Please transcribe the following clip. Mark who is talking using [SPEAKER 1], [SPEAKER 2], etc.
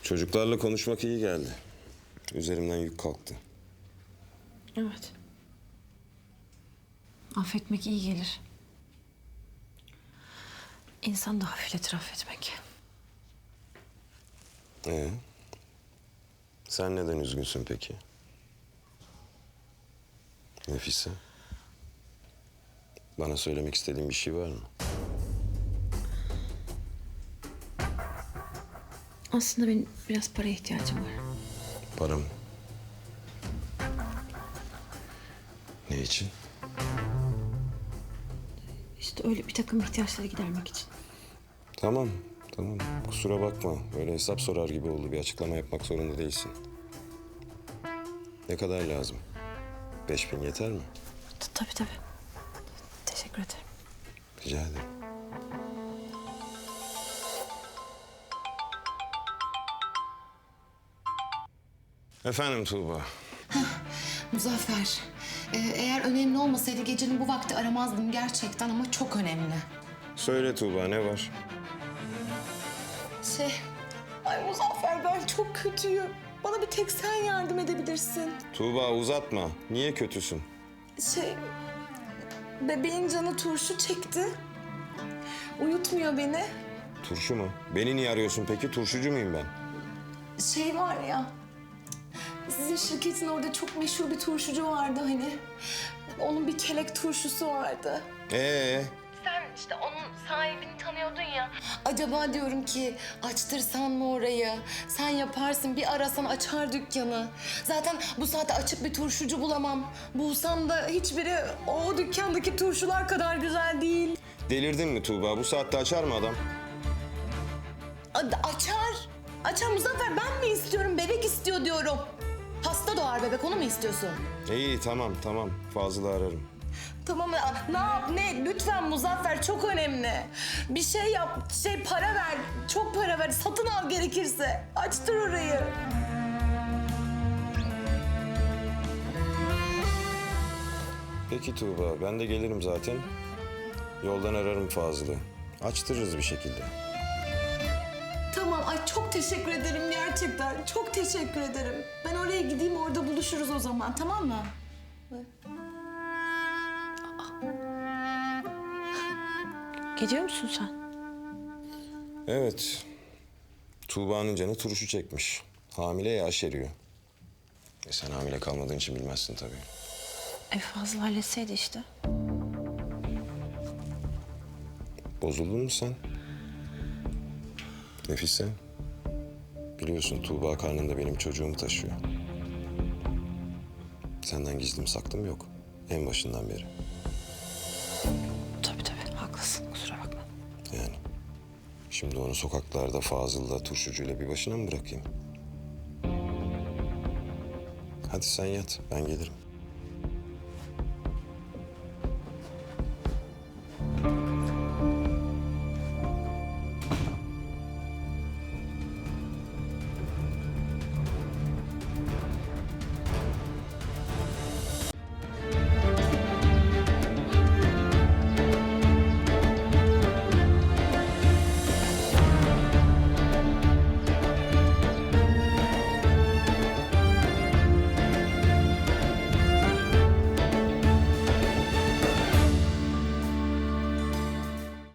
[SPEAKER 1] Çocuklarla konuşmak iyi geldi. Üzerimden yük kalktı.
[SPEAKER 2] Evet. Affetmek iyi gelir. İnsan da hafifletir affetmek.
[SPEAKER 1] Sen neden üzgünsün peki? Nefise? Bana söylemek istediğin bir şey var mı?
[SPEAKER 2] Aslında benim biraz paraya ihtiyacım var.
[SPEAKER 1] Para mı? Ne için?
[SPEAKER 2] İşte öyle bir takım ihtiyaçları gidermek için.
[SPEAKER 1] Tamam. Kusura bakma. Böyle hesap sorar gibi oldu. Bir açıklama yapmak zorunda değilsin. Ne kadar lazım? 5.000 yeter mi?
[SPEAKER 2] Tabii. Teşekkür ederim.
[SPEAKER 1] Rica ederim. Efendim Tuğba.
[SPEAKER 3] Muzaffer, eğer önemli olmasaydı gecenin bu vakti aramazdım gerçekten ama çok önemli.
[SPEAKER 1] Söyle Tuğba, ne var?
[SPEAKER 3] Ay Muzaffer ben çok kötüyüm. Bana bir tek sen yardım edebilirsin.
[SPEAKER 1] Tuğba uzatma. Niye kötüsün?
[SPEAKER 3] Bebeğin canı turşu çekti. Uyutmuyor beni.
[SPEAKER 1] Turşu mu? Beni niye arıyorsun peki? Turşucu muyum ben?
[SPEAKER 3] Var ya, sizin şirketin orada çok meşhur bir turşucu vardı hani. Onun bir kelek turşusu vardı. Sen işte onun sahibini tanıyordun ya. Acaba diyorum ki açtırsan mı orayı? Sen yaparsın, bir arasan açar dükkanı. Zaten bu saatte açık bir turşucu bulamam. Bulsam da hiçbiri o dükkandaki turşular kadar güzel değil.
[SPEAKER 1] Delirdin mi Tuğba? Bu saatte açar mı adam?
[SPEAKER 3] Açar. Açar Muzaffer, ben mi istiyorum? Bebek istiyor diyorum. Hasta doğar bebek, onu mu istiyorsun?
[SPEAKER 1] İyi tamam. Fazıl'ı ararım.
[SPEAKER 3] Tamam ne yap ne? Lütfen Muzaffer, çok önemli. Bir şey yap, para ver. Çok para ver, satın al gerekirse. Açtır orayı.
[SPEAKER 1] Peki Tuğba, ben de gelirim zaten. Yoldan ararım Fazıl'ı. Açtırırız bir şekilde.
[SPEAKER 3] Tamam, ay çok teşekkür ederim gerçekten. Çok teşekkür ederim. Ben oraya gideyim, orada buluşuruz o zaman, tamam mı?
[SPEAKER 2] Gidiyor musun sen?
[SPEAKER 1] Evet. Tuğba'nın canı turşu çekmiş. Hamile ya, aşeriyor. Sen hamile kalmadığın için bilmezsin tabii.
[SPEAKER 2] Fazla halletseydi işte.
[SPEAKER 1] Bozuldun mu sen? Nefise. Biliyorsun Tuğba karnında benim çocuğumu taşıyor. Senden gizlim saklım yok. En başından beri.
[SPEAKER 2] Tabii haklısın, kusura bakma.
[SPEAKER 1] Yani. Şimdi onu sokaklarda Fazıl'la, turşucuyla bir başına mı bırakayım? Hadi sen yat, ben gelirim.